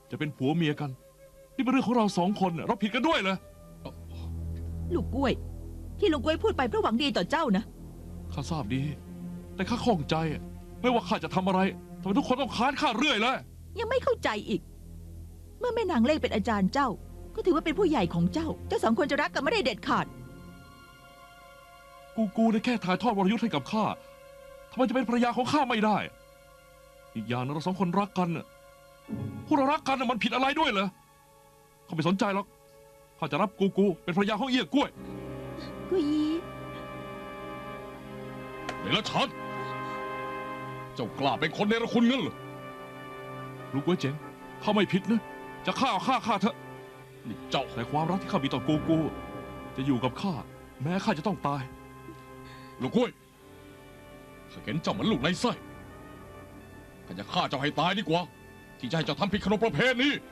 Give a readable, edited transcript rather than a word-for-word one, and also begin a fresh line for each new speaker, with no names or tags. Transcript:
จะเป็นผัวเมียกันนี่เป็นเรื่องของเรา2 คนเราผิดกันด้วยเหรอ
ลูกกล้วย ที่ลูกกล้วยพูดไปเพราะหวังดีต่อเจ้านะ
ข้าทราบดี แต่ข้าข้องใจไม่ว่าข้าจะทำอะไรทำไมทุกคนต้องค้านข้าเรื่อยเลย
ยังไม่เข้าใจอีก เมื่อแม่นางเล่เป็นอาจารย์เจ้า ก็ถือว่าเป็นผู้ใหญ่ของเจ้า เจ้า2 คนจะรักกันไม่ได้เด็ดขาด
กูได้แค่ถ่ายทอดวรยุทธ์ให้กับข้าทำไมจะเป็นภรรยาของข้าไม่ได้ อีกอย่างนะเรา2 คนรักกันพวกเรารักกันมันผิดอะไรด้วยเหรอข้าไม่สนใจหรอกข้าจะรับกูเป็นภรรยาของเอี้ยกล้วย
กุยยี
เดรัจฉานเจ้ากล้าเป็นคนเนรคุณงั้นเหรอ
ลูกกล้วยเจ๋งข้าไม่ผิดนะจะฆ่าข้าเถอะ
นี่เจ้า
แต่ความรักที่ข้ามีต่อกูจะอยู่กับข้าแม้ข้าจะต้องตาย
ลูกกล้วยข้าเห็นเจ้าเหมือนลูกในไส้ข้าจะฆ่าเจ้าให้ตายดีกว่า ที่จะให้เจ้าทำผิดขนบประเพณี